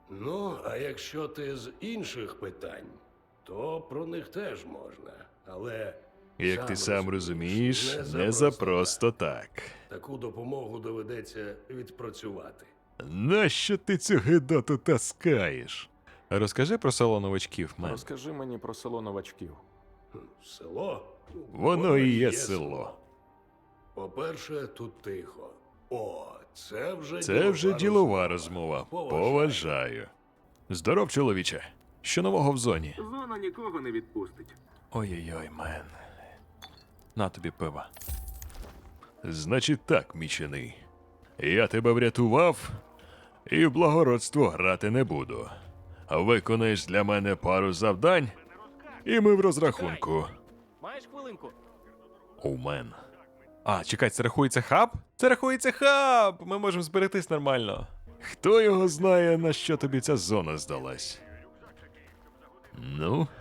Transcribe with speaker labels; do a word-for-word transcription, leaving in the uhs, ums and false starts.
Speaker 1: Ну, а якщо ти з інших питань, то про них теж можна. Але
Speaker 2: Як ти сам розумієш, не за просто так.
Speaker 1: Таку допомогу доведеться відпрацювати.
Speaker 2: Нащо ти цю гидоту таскаєш? Розкажи про село новачків, мен.
Speaker 3: Розкажи мені про село новачків.
Speaker 1: Село?
Speaker 2: Воно і є село.
Speaker 1: По-перше, тут тихо. О, це вже
Speaker 2: Це вже ділова розмова. Поважаю. Здоров, чоловіче. Що нового в зоні?
Speaker 4: Зона нікого не відпустить.
Speaker 2: Ой-ой-ой, мен. На тобі пива. Значить так, мічений. Я тебе врятував, і в благородство грати не буду. Виконаєш для мене пару завдань, і ми в розрахунку.
Speaker 5: Маєш хвилинку?
Speaker 2: Оумен. А, чекай, це рахується хаб? Це рахується хаб! Ми можемо зберегтись нормально. Хто його знає, на що тобі ця зона здалась? Ну,